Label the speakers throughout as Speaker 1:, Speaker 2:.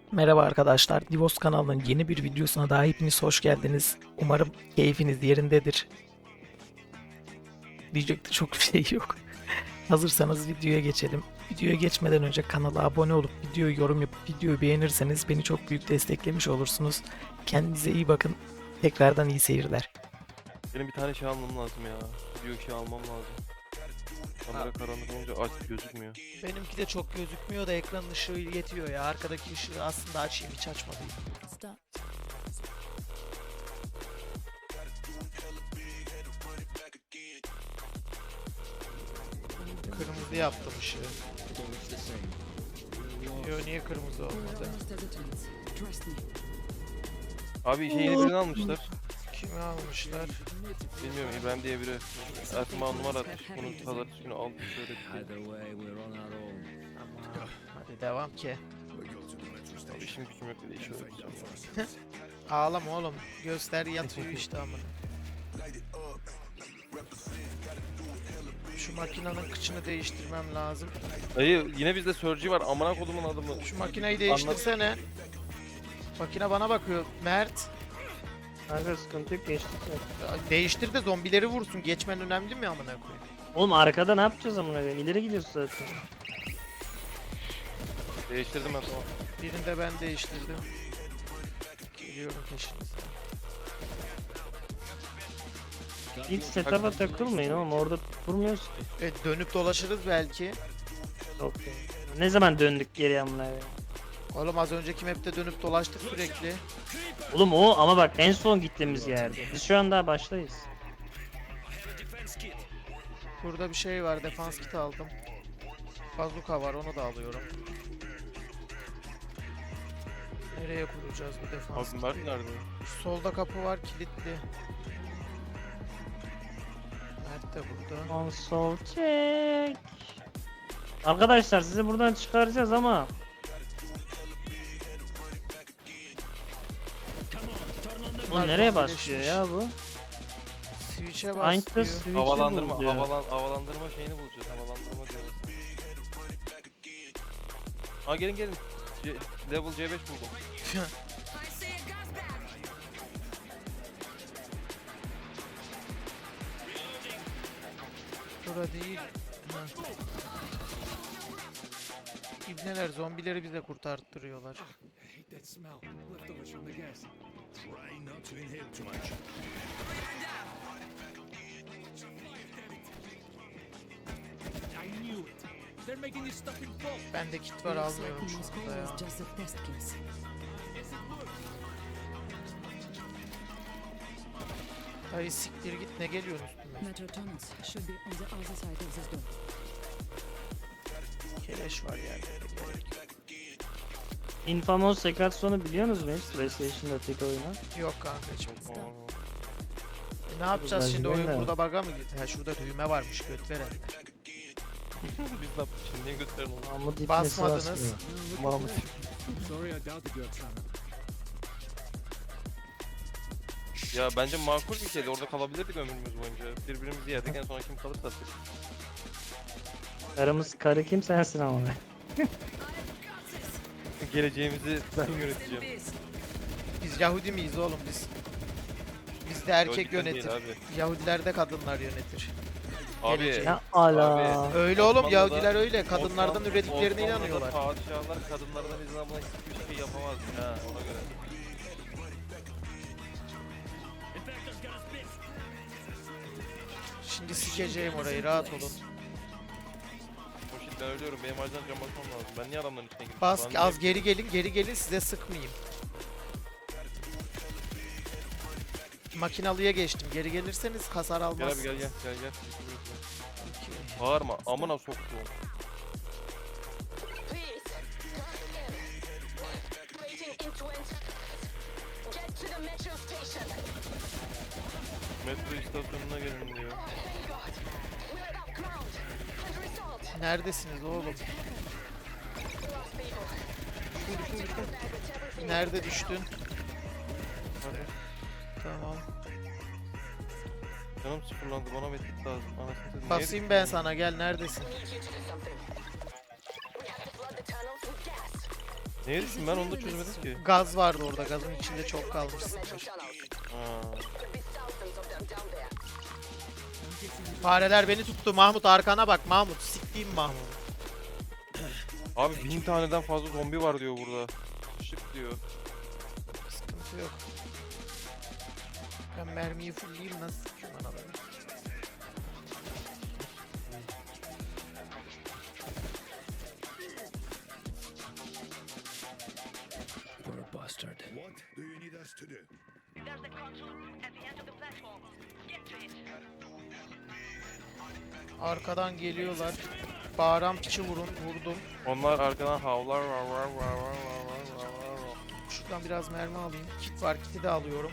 Speaker 1: Merhaba arkadaşlar, Divos kanalının yeni bir videosuna daha hepiniz hoş geldiniz. Umarım keyfiniz yerindedir. Diyecek de çok bir şey yok. Hazırsanız videoya geçelim. Videoya geçmeden önce kanala abone olup videoyu yorum yapıp videoyu beğenirseniz beni çok büyük desteklemiş olursunuz. Kendinize iyi bakın. Tekrardan iyi seyirler.
Speaker 2: Benim bir tane şey almam lazım ya. Video şey almam lazım. Kamera karanlık olunca aç gözükmüyor.
Speaker 1: Benimki de çok gözükmüyor da ekranın ışığı yetiyor ya. Arkadaki ışığı aslında açayım, hiç açmalıyım.
Speaker 3: Stop.
Speaker 1: Kırmızı yaptım ışığı. Yo, niye kırmızı
Speaker 3: We're
Speaker 1: olmadı?
Speaker 3: almost at the tunnels. Trust me.
Speaker 2: Abi şey yeni birini almışlar.
Speaker 1: Kimi almışlar?
Speaker 2: Bilmiyorum İbrahim diye biri. Ertuğrul numara atmış. Bunun pazartesi günü aldım şöyle bir şey.
Speaker 4: Either way, we're on our own.
Speaker 1: Tamam, hadi devam ki.
Speaker 2: Abi işim gücüm yok dedi. İşi öğreteceğim.
Speaker 1: Ağlama oğlum. Göster yatıyor işte amına. Şu makinenin kıçını değiştirmem lazım.
Speaker 2: Dayı yine bizde Surgery var. Amına kodumun adamı.
Speaker 1: Şu makineyi değiştirsene. Makine bana bakıyor. Mert.
Speaker 5: Kanka sıkıntı yok, geçtik ya.
Speaker 1: Değiştir de zombileri vursun. Geçmen önemli mi amına koyayım?
Speaker 5: Oğlum arkada ne yapacağız amına koyayım? İleri gidiyoruz zaten.
Speaker 2: Değiştirdim ben tamam.
Speaker 1: Birini de ben değiştirdim. Geliyorum peşinize.
Speaker 5: İlk setup'a takılmayın oğlum, orada durmuyoruz ki.
Speaker 1: Dönüp dolaşırız belki.
Speaker 5: Yok ya. Ne zaman döndük geri amına koyayım?
Speaker 1: Oğlum az önceki map'te dönüp dolaştık sürekli.
Speaker 5: Oğlum o ama bak en son gittiğimiz yerde. Biz şu an daha baştayız.
Speaker 1: Burada bir şey var. Defans kit aldım. Bazuka var, onu da alıyorum. Nereye kuracağız bu defans
Speaker 2: Abi Mert
Speaker 1: kiti?
Speaker 2: nerede?
Speaker 1: Şu solda kapı var, kilitli. Mert de burada.
Speaker 5: Console check. Arkadaşlar sizi buradan çıkaracağız ama bu
Speaker 1: Bunlar
Speaker 5: nereye
Speaker 1: zombileşmiş.
Speaker 5: başlıyor ya bu?
Speaker 1: Switch'e
Speaker 5: Find the
Speaker 1: basıyor.
Speaker 5: switch'i
Speaker 2: Havalandırma,
Speaker 5: bul diyor.
Speaker 2: havalandırma şeyini bulacağız. Havalandırma diyoruz. Aa gelin. Level C5 buldum.
Speaker 1: Burada değil. Ha. İbneler zombileri bize kurtarttırıyorlar.
Speaker 4: Hate that smell. Leftovers from the gas.
Speaker 6: Try not to inhale too much.
Speaker 4: I knew it. They're making this stuff in bulk.
Speaker 1: Bende kit var,
Speaker 3: Looks like
Speaker 1: almıyorum şu
Speaker 3: Moskva
Speaker 1: anda ya.
Speaker 3: was just a test case.
Speaker 1: Dayı siktir git, ne geliyorsun üstüme?
Speaker 3: Metro tunnels should be on the other side of this door.
Speaker 1: Keleş var yerde. Gerek yok.
Speaker 5: Infamous Secatron'u biliyorsunuz mu hiç? PlayStation'da tek oyunu.
Speaker 1: Yok kankacım.
Speaker 2: Aa,
Speaker 1: Ne yapacağız şimdi,
Speaker 5: Lacivert
Speaker 1: oyun
Speaker 5: ne?
Speaker 1: burada bug'a mı gitti? Ha, şurada düğme varmış, göt veren.
Speaker 2: Biz ne yaptık şimdi? Niye gösterin onu?
Speaker 5: Mahmut ipnesi
Speaker 1: Basmadınız.
Speaker 5: basmıyor.
Speaker 2: Mahmut.
Speaker 4: Sorry, I doubted you, Oksana.
Speaker 2: Ya bence makul bir şeydi. Orada kalabilirdik ömrümüz boyunca. Birbirimizi yerdik en son kim kalırsa artık.
Speaker 5: Karımız karı kim sensin ama.
Speaker 2: Geleceğimizi ben yöneteceğim.
Speaker 1: Biz Yahudi miyiz oğlum biz? Bizde erkek
Speaker 2: Yahudiden
Speaker 1: yönetir.
Speaker 2: değil abi.
Speaker 1: Yahudilerde kadınlar yönetir.
Speaker 2: Abi.
Speaker 1: Gelecek.
Speaker 5: Ya ala.
Speaker 2: Abi.
Speaker 1: Öyle oğlum,
Speaker 2: Osmanlı'da-
Speaker 1: Yahudiler öyle. Kadınlardan
Speaker 2: Osmanlı-
Speaker 1: ürettiklerine
Speaker 2: Osmanlı'da
Speaker 1: inanıyorlar.
Speaker 2: Padişahlar kadınlardan izin almadan hiçbir şey yapamaz ha ona göre.
Speaker 1: Şimdi sikeceğim orayı, rahat olun.
Speaker 2: O shit ben ölüyorum. Benim acilen cam basmam lazım. Ben niye adamların içine girdim?
Speaker 1: Bas,
Speaker 2: Ben
Speaker 1: az
Speaker 2: niye-
Speaker 1: geri gelin size sıkmayayım. Makinalıya geçtim. Geri gelirseniz hasar
Speaker 2: Gel abi
Speaker 1: almazsınız.
Speaker 2: gel.
Speaker 1: Okey.
Speaker 2: Bağırma amına soktuğum.
Speaker 7: Please, waiting in Twent. Get to the metro station.
Speaker 2: Metro istasyonuna gelin diyor.
Speaker 7: God, we're above ground. And result,
Speaker 1: Neredesiniz oğlum?
Speaker 7: lost people.
Speaker 1: Nerede düştün? Tamam.
Speaker 2: Canım sıfırlandı bana medkit lazım. Anasını satayım.
Speaker 1: Basayım ben sana, gel neredesin?
Speaker 7: Need you to do something. We have to flood the tunnels with gas.
Speaker 2: Neye düştüm ben onu da çözemedim ki.
Speaker 1: Gaz vardı orada. Gazın içinde çok kalmışsındır.
Speaker 2: Ha.
Speaker 1: Fareler beni tuttu. Mahmut arkana bak. Mahmut. Siktiğim Mahmut.
Speaker 2: Abi 1000 taneden fazla zombi var diyor burada. Şık diyor.
Speaker 1: Sıkıntı yok. Ben mermiyi fullleyeyim nasıl sıkıyorum anaları.
Speaker 6: What do you need us to do?
Speaker 7: There's the console at the end of the platform. Get to it.
Speaker 1: Arkadan geliyorlar. Bağıran piçi vurdum.
Speaker 2: Onlar arkadan havlar var.
Speaker 1: Şuradan biraz mermi alayım. Kit var, kiti de alıyorum.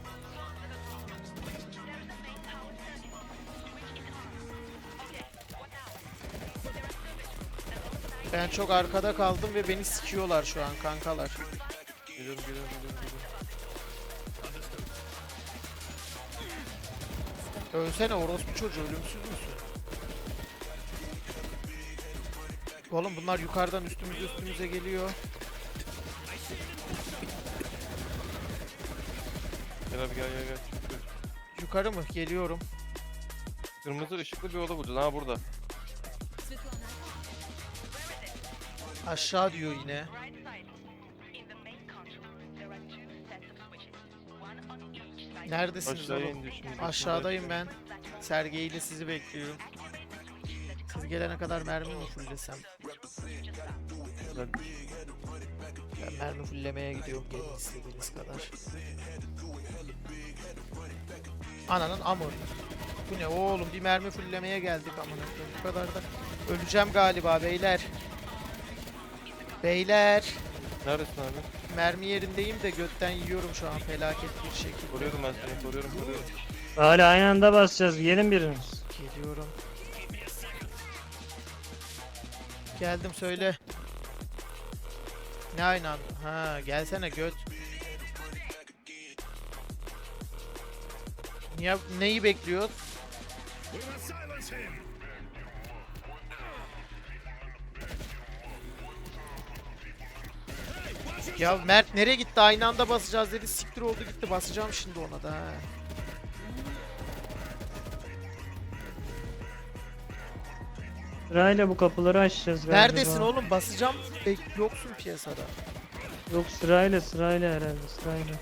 Speaker 1: Ben çok arkada kaldım ve beni sikiyorlar şu an kankalar.
Speaker 2: Geliyorum.
Speaker 1: Ölsene orospu çocuğu, ölümsüz müsün? Oğlum bunlar yukarıdan üstümüze geliyor.
Speaker 2: Gel abi gel.
Speaker 1: Yukarı mı? Geliyorum.
Speaker 2: Kırmızı ışıklı bir oda bulacağız. Ha burada.
Speaker 1: Aşağı diyor yine.
Speaker 7: Right side. In the main console, there are two sets of switches. One on each side.
Speaker 1: Neredesiniz
Speaker 2: Aşağıya
Speaker 1: oğlum?
Speaker 2: indi şimdi.
Speaker 1: Aşağıdayım ben. Sergey ile sizi bekliyorum. Siz gelene kadar mermi mi fulllesem? Ben mermi fulllemeye gidiyorum gelin istediğiniz kadar. Ananın amı. Bu ne oğlum, bir mermi fulllemeye geldik amına koyayım. Bu kadar da öleceğim galiba beyler. Beyler.
Speaker 2: Neredesin abi?
Speaker 1: Mermi yerindeyim de götten yiyorum şu an felaket bir şekilde.
Speaker 2: Koruyorum ben seni. Koruyorum.
Speaker 5: Hala aynı anda basacağız. Gelin biriniz.
Speaker 1: Geliyorum. Geldim söyle. Ne aynı anda? Ha gelsene göt. Niye, neyi bekliyoruz?
Speaker 6: We must silence him.
Speaker 1: Ya Mert nereye gitti? Aynı anda basacağız dedi. Siktir oldu gitti. Basacağım şimdi ona da. Ha.
Speaker 5: Sırayla bu kapıları açacağız galiba.
Speaker 1: Neredesin oğlum? Basacağım. Yoksun piyasada.
Speaker 5: Yok sırayla herhalde sırayla.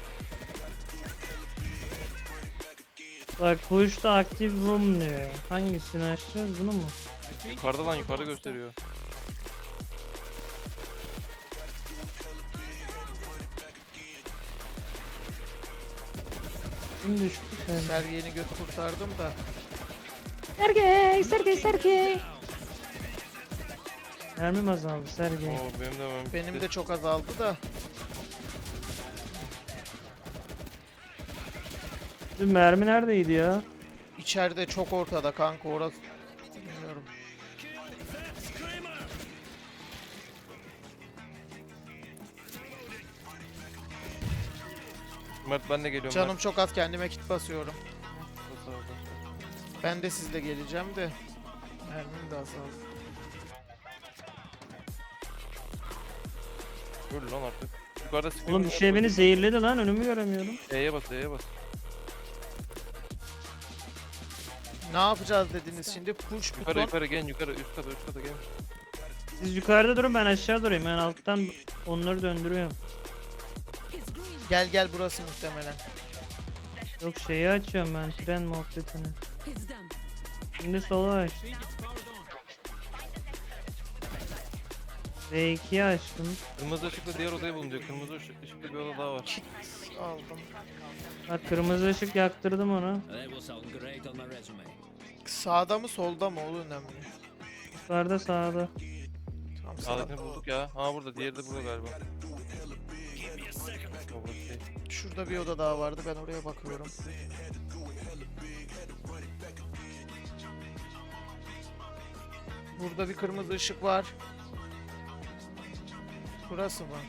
Speaker 5: Bak push the active room diyor. Hangisini açacağız, bunu mu?
Speaker 2: Yukarıda lan yukarıda gösteriyor.
Speaker 5: Kim düştü sen?
Speaker 1: Sergey'ini göt kurtardım da.
Speaker 5: Sergey. Mermim azaldı Sergey.
Speaker 2: Oo benim de mermim
Speaker 1: Benim
Speaker 2: bitti.
Speaker 1: de çok azaldı da.
Speaker 5: Dün mermi neredeydi ya?
Speaker 1: İçeride çok ortada kanka orası. Bilmiyorum.
Speaker 2: Mert ben de geliyorum.
Speaker 1: Canım çok az, kendime kit basıyorum.
Speaker 2: Mert. Bas abi.
Speaker 1: Ben de sizle geleceğim de. Mermim de azaldı.
Speaker 2: Öl lan artık. Yukarıda sıkıntı.
Speaker 5: Oğlum bir şey beni zehirledi lan, önümü göremiyorum.
Speaker 2: E'ye bas.
Speaker 1: Ne yapacağız dediniz şimdi? Push buton.
Speaker 2: Yukarı gel yukarı üst kata gel.
Speaker 5: Siz yukarıda durun, ben aşağı durayım. Ben alttan onları döndürüyorum.
Speaker 3: It's green.
Speaker 1: Gel burası muhtemelen.
Speaker 5: Yok şeyi açıyorum ben, tren muhabbetini.
Speaker 3: It's done.
Speaker 5: Şimdi sola aç.
Speaker 4: See, it's powered on.
Speaker 5: V2'yi açtım.
Speaker 2: Kırmızı ışıklı diğer odayı bulun diyor. Kırmızı ışıklı bir oda daha var.
Speaker 1: Kit aldım.
Speaker 5: Bak kırmızı ışık yaktırdım onu.
Speaker 8: That will sound great on my resume.
Speaker 1: Sağda mı solda mı o önemli.
Speaker 5: Yukarıda sağda.
Speaker 1: Tamam sağ.
Speaker 2: Sağdakini bulduk ya. Ha burada diğeri de burada galiba. O bu şey.
Speaker 1: Şurada bir oda daha vardı, ben oraya bakıyorum. Burada bir kırmızı ışık var. Burası mı?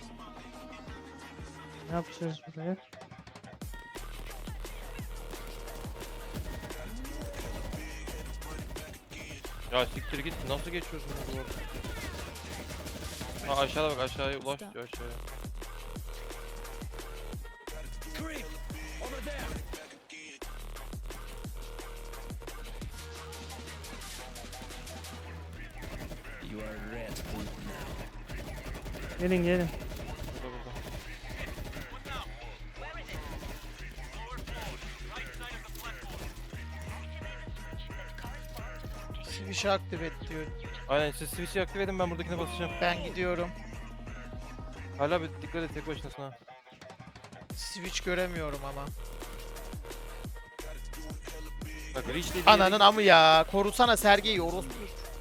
Speaker 5: Ne yapacağız buraya?
Speaker 2: Ya siktir git nasıl geçiyorsun bu duvarı? Ha aşağıda bak, aşağıya ulaş diyor, aşağıya.
Speaker 6: Creep! Over there! You are red boot now.
Speaker 5: Gelin gelin.
Speaker 2: Burada burada.
Speaker 1: Switch aktif et diyor.
Speaker 2: Aynen, siz switch'i aktif edin, ben buradakine basacağım.
Speaker 1: Ben gidiyorum.
Speaker 2: Hala bir dikkat et, tek başınasın ha.
Speaker 1: Switch göremiyorum ama.
Speaker 2: Bak reach dediği
Speaker 1: Ananın amı ya. Korusana Sergey'i orospu.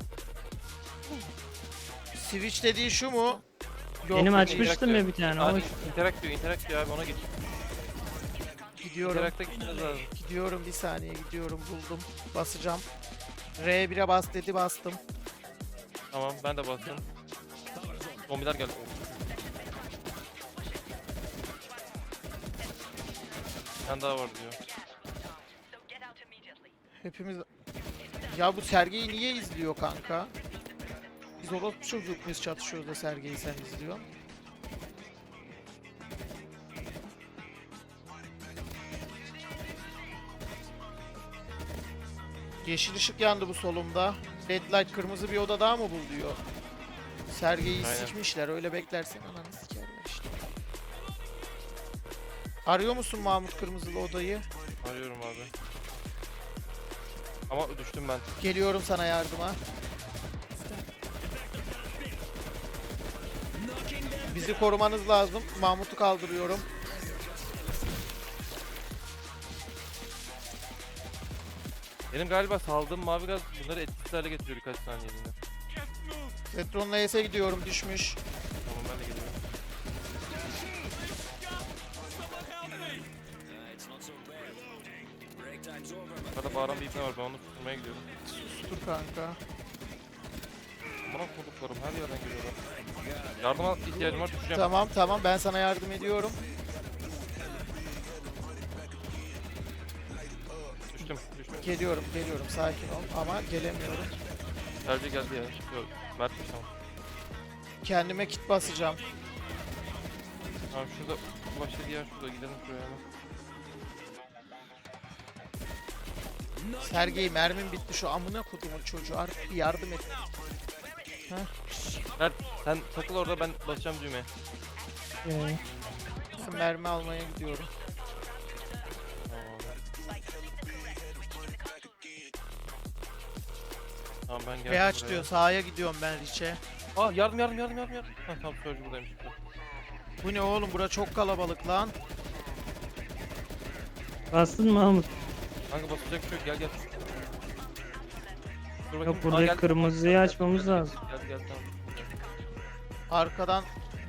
Speaker 1: Switch dediği şu mu? Yok,
Speaker 5: Benim
Speaker 1: değil.
Speaker 5: açmıştım ya bir tane. O
Speaker 2: Interact diyor abi, ona git.
Speaker 1: Gidiyorum.
Speaker 2: Interact'a gitmeniz lazım.
Speaker 1: Gidiyorum, bir saniye gidiyorum, buldum. Basacağım. R1'e bas dedi, bastım.
Speaker 2: Tamam, ben de bastım. Zombiler geldi. Bir tane daha var diyor.
Speaker 7: So get out immediately.
Speaker 1: Hepimiz... Ya bu Sergey'i niye izliyor kanka? Biz orospu çocuk muyuz, çatışıyoruz da Sergey'i sen izliyorsun? Yeşil ışık yandı bu solumda. Red light, kırmızı bir oda daha mı bul diyor. Sergey'i
Speaker 2: Aynen.
Speaker 1: sikmişler, öyle beklersen ananı sikerler işte. Arıyor musun Mahmut kırmızılı odayı?
Speaker 2: Arıyorum abi. Ama düştüm ben.
Speaker 1: Geliyorum sana yardıma. Bizi korumanız lazım. Mahmut'u kaldırıyorum.
Speaker 2: Benim galiba saldığım mavi gaz bunları etkisiz hale getiriyor birkaç saniyeliğine.
Speaker 1: Petron'la Y'se gidiyorum, düşmüş.
Speaker 2: Tamam, ben de geliyorum.
Speaker 8: It's not so bad. Break time's over.
Speaker 2: Burada bağıran bir ipne var, ben onu tutmaya gidiyorum.
Speaker 1: Dur kanka.
Speaker 2: Bana kurduklarım her yerden geliyorlar. Yardıma ihtiyacım var, düşeceğim.
Speaker 1: Tamam ben sana yardım ediyorum.
Speaker 2: Düştüm.
Speaker 1: Geliyorum sakin ol ama gelemiyorum.
Speaker 2: Tercih geldi ya. Yok, Mert'miş tamam.
Speaker 1: Kendime kit basacağım.
Speaker 2: Tamam, şurada başladı yer, şurada gidelim şuraya hemen.
Speaker 1: Sergey, mermim bitti, şu amına kodumun çocuğu, artık bir yardım et.
Speaker 2: Mert sen takıl orada, ben basacağım düğmeye.
Speaker 1: Ben mermi almaya gidiyorum.
Speaker 2: Tamam abi. Tamam, ben geldim
Speaker 1: Reaç
Speaker 2: buraya.
Speaker 1: diyor, sağa gidiyorum ben Rich'e.
Speaker 2: Aa, yardım. Heh, tamam, Surge buradaymış.
Speaker 1: Bu ne oğlum, bura çok kalabalık lan.
Speaker 5: Bastın mı Mahmut?
Speaker 2: Kanka basacak bir şey yok, gel. Dur bakayım.
Speaker 5: Yok,
Speaker 2: Aa,
Speaker 5: burada
Speaker 2: geldi.
Speaker 5: kırmızıyı açmamız lazım.
Speaker 2: Gel tamam.
Speaker 1: Arkadan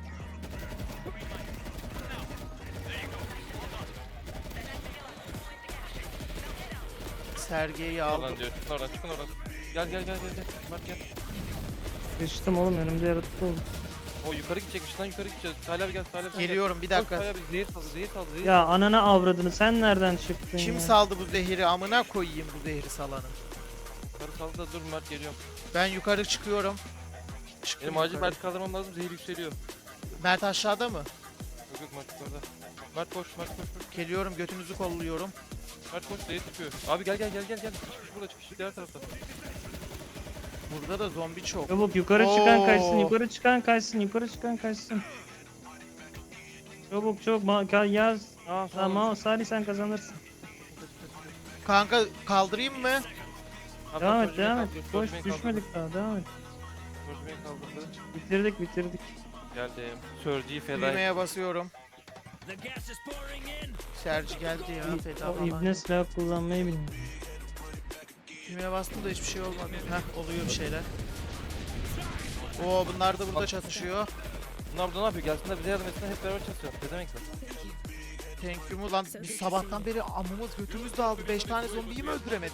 Speaker 1: Sergey'i aldım.
Speaker 2: Oradan diyor, çıkın oradan. Gel. Mert gel.
Speaker 5: Sıçtım oğlum, önümde yaratık oldu.
Speaker 2: O yukarı gidecekmiş lan, yukarı gideceğiz. Salih abi gel.
Speaker 1: Geliyorum, bir dakika.
Speaker 2: Salih abi zehir saldı.
Speaker 5: Ya anana avradını, sen nereden çıktın
Speaker 1: Kim
Speaker 5: ya?
Speaker 1: saldı bu zehiri? Amına koyayım bu zehri salanı.
Speaker 2: Yukarı saldı da dur Mert, geliyorum.
Speaker 1: Ben yukarı çıkıyorum. Çıktım
Speaker 2: Benim acil
Speaker 1: yukarı.
Speaker 2: Mert kaldırmam lazım, zehir yükseliyor.
Speaker 1: Mert aşağıda mı?
Speaker 2: Yok Mert yukarıda. Mert koş.
Speaker 1: Geliyorum, götünüzü kolluyorum.
Speaker 2: Mert koş, zehir tutuyor. Abi gel. Çıkış burada, çıkış diğer tarafta.
Speaker 1: Burada da zombi çok.
Speaker 5: Çabuk yukarı çıkan kaçsın,
Speaker 1: Oo.
Speaker 5: yukarı çıkan kaçsın. Çabuk yaz.
Speaker 2: Aa,
Speaker 5: Tamam Salih, sen kazanırsın.
Speaker 1: Kanka kaldırayım mı?
Speaker 5: Devam et. Boş düşmedik daha, devam et.
Speaker 2: Surge'yi kaldırdı.
Speaker 5: Bitirdik.
Speaker 2: Geldim. Surge'yi feda et.
Speaker 1: Düğmeye basıyorum.
Speaker 8: The gas is pouring in.
Speaker 1: Sergi geldi ya, feda
Speaker 5: O
Speaker 1: falan.
Speaker 5: ibne silah kullanmayı bilmiyor.
Speaker 1: Düğmeye bastım da hiçbir şey olmadı. Heh, oluyor bir şeyler. Oo, bunlar da burada çatışıyor.
Speaker 2: Bunlar burada ne yapıyor? Gelsinler bize yardım etsinler, hep beraber çalışalım. Ne demek lan?
Speaker 1: Thank you mu lan? Biz sabahtan beri amımız götümüz dağıldı. 5 tane zombiyi mi öldüremedik?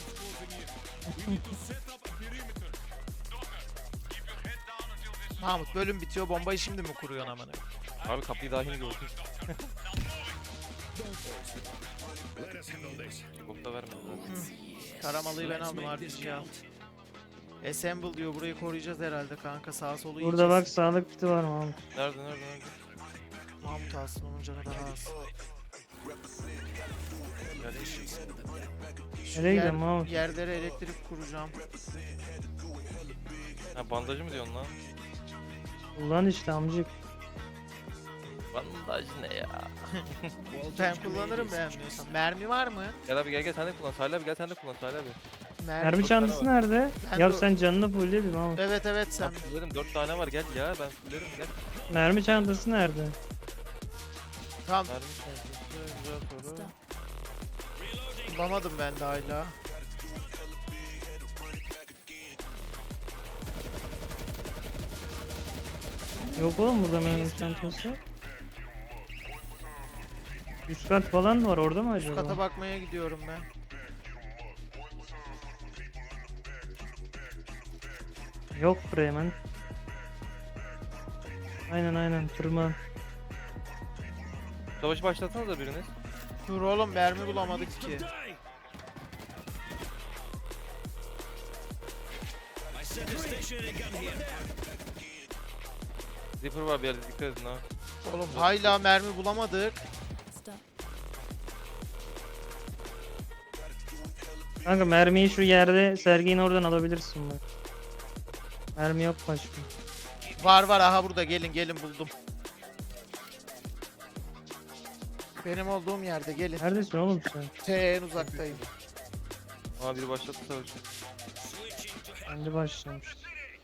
Speaker 1: Mahmut, bölüm bitiyor, bombayı şimdi mi kuruyorsun amına?
Speaker 2: Abi kapıyı dahil gördüm.
Speaker 6: Let us handle this.
Speaker 2: Çok da vermedi.
Speaker 1: Karamalıyı ben aldım, RPG'yi al. Assemble diyor. Burayı koruyacağız herhalde kanka. Sağa solu
Speaker 5: Burada
Speaker 1: yiyeceğiz.
Speaker 5: bak sağlık kiti var Mahmut.
Speaker 2: Nerede?
Speaker 1: Mahmut alsın olunca kadar alsın. Şu
Speaker 5: Nereye gidelim Mahmut?
Speaker 1: yerlere elektrik kuracağım.
Speaker 2: Ha bandajı mı diyorsun lan?
Speaker 5: Kullan işte amcık.
Speaker 2: Bandaj ne ya?
Speaker 1: Ben kullanırım beğenmiyorsan. Mermi var mı?
Speaker 2: Gel abi gel sen de kullan. Salih abi gel sen de kullan Salih abi.
Speaker 5: Mermi çantası nerede?
Speaker 1: Ben
Speaker 5: Ya
Speaker 1: de-
Speaker 5: sen canını fulle bir Mahmut.
Speaker 1: Evet evet sen.
Speaker 2: Sen fullerim 4 tane var gel ya ben fullerim gel.
Speaker 5: Mermi çantası nerede?
Speaker 1: Tamam
Speaker 2: Mermi çantası güzel soru.
Speaker 3: Stop.
Speaker 1: bulamadım ben de hala.
Speaker 5: Yok oğlum burada mermi çantası. Üst kat falan var orada mı acaba?
Speaker 1: Kata bakmaya gidiyorum ben.
Speaker 5: Yok buraya hemen. Aynen tırman.
Speaker 2: Savaşı başlatsanıza biriniz.
Speaker 1: Dur oğlum mermi bulamadık ki.
Speaker 8: Die! I set a stationary gun here.
Speaker 2: Zipper var bir yerde dikkat edin ha.
Speaker 1: Oğlum hala mermi bulamadık.
Speaker 3: Stop.
Speaker 5: Kanka mermiyi şu yerde Sergey'in oradan alabilirsin bak. Mermi yok başka.
Speaker 1: Var var aha burada gelin buldum. Benim olduğum yerde gelin.
Speaker 5: Neredesin oğlum sen?
Speaker 1: En uzaktayım.
Speaker 2: Aa biri başlattı savaşı.
Speaker 5: Kendi başlamıştı.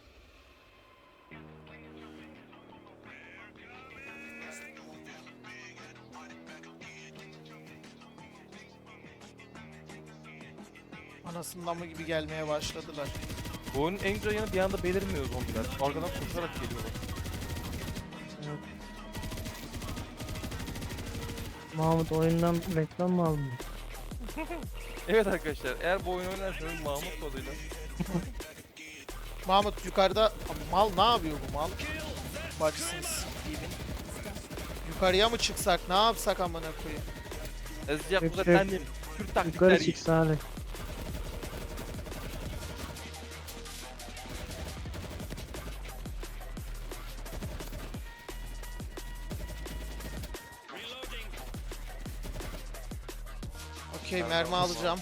Speaker 1: Anasından mı gibi gelmeye başladılar.
Speaker 2: Bu oyunun en güzel yanı bir anda belirmiyor zombiler. Arkadan koşarak geliyorlar.
Speaker 5: Evet. Mahmut oyundan reklam mı aldın?
Speaker 2: Evet arkadaşlar eğer bu oyunu oynarsanız Mahmut koduyla
Speaker 1: Mahmut yukarıda mal ne yapıyor bu mal? Bacısını s**eyim. Yukarıya mı çıksak ne yapsak amına koyayım?
Speaker 2: Ezecek bu
Speaker 5: Yok,
Speaker 2: da
Speaker 5: yok.
Speaker 2: kendim. Türk taktikleri.
Speaker 5: Yukarı çık Salih.
Speaker 1: Okey mermi alacağım.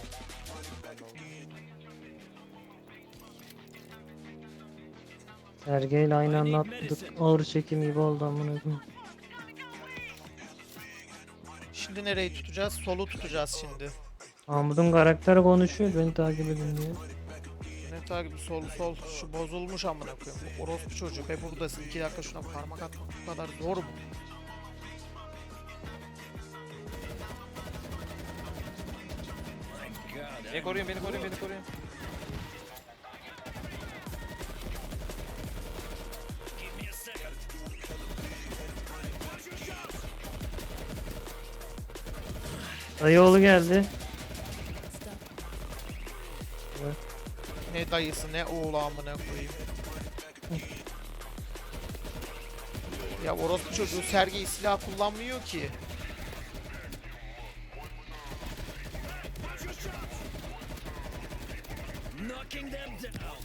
Speaker 5: Sergey'le aynı anda atladık. Ağır çekim gibi oldu amına koyayım.
Speaker 1: Şimdi nereyi tutacağız? Solu tutacağız şimdi.
Speaker 5: Mahmut'un karakteri konuşuyor beni takip edin diye.
Speaker 1: Ne takibi sol. Şu bozulmuş amına koyayım. Bu orospu çocuk. Buradasın. 2 dakika şuna parmak atmak bu kadar zor mu?
Speaker 2: Beni koruyun beni koruyun beni koruyun.
Speaker 8: Give me a second.
Speaker 5: Dayıoğlu geldi.
Speaker 3: Stop.
Speaker 1: Ne dayısı ne oğlu amına koyayım. Ya orospu çocuğu Sergey silah kullanmıyor ki.
Speaker 8: Knocking them down.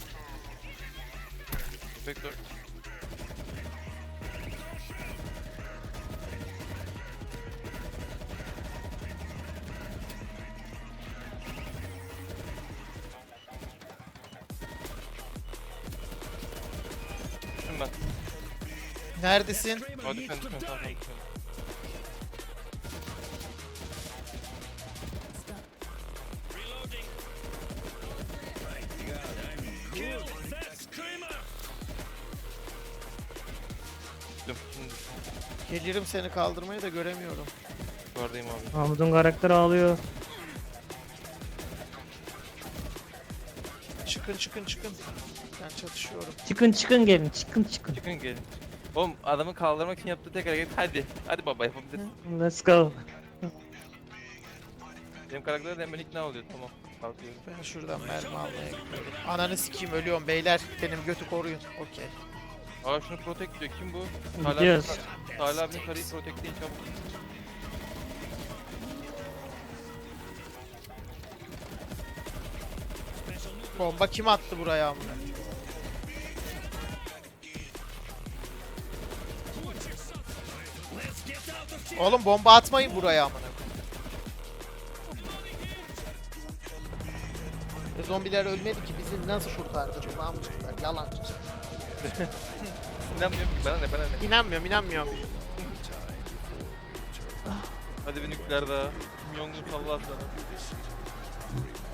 Speaker 2: Köpek 4. Düştüm ben.
Speaker 1: Neredesin?
Speaker 2: Hadi düşme düşme tamam tamam düşme.
Speaker 3: Stop.
Speaker 8: Reloading. My God, I'm kill that screamer.
Speaker 2: Düştüm şimdi düştüm.
Speaker 1: Gelirim seni kaldırmaya da göremiyorum.
Speaker 2: Yukarıdayım abi.
Speaker 5: Mahmut'un karakteri ağlıyor.
Speaker 1: Çıkın. Ben çatışıyorum.
Speaker 5: Çıkın gelin çıkın.
Speaker 2: Çıkın gelin. Oğlum adamı kaldırmak için yaptığı tek hareket hadi. Hadi baba yapabilirsin.
Speaker 5: Let's go.
Speaker 2: Benim karakter de hemen ikna oluyor tamam. Kalkıyorum.
Speaker 1: Ben şuradan mermi almaya gidiyorum. Ananı sikeyim ölüyorum beyler. Benim götü koruyun. Okey.
Speaker 2: Aa şunu protect diyor. Kim bu?
Speaker 5: Gidiyoruz.
Speaker 2: Salih abinin karıyı protectleyin çabuk.
Speaker 8: Special nuclear
Speaker 9: Bomba kim attı buraya amına? Oğlum bomba atmayın buraya amına. Zombiler ölmedi ki bizi nasıl kurtardı bu amcıklar yalancı.
Speaker 2: İnanmıyorum ki bana ne.
Speaker 9: İnanmıyorum.
Speaker 2: Hadi bir nükleer daha. Milyonlu salla sana.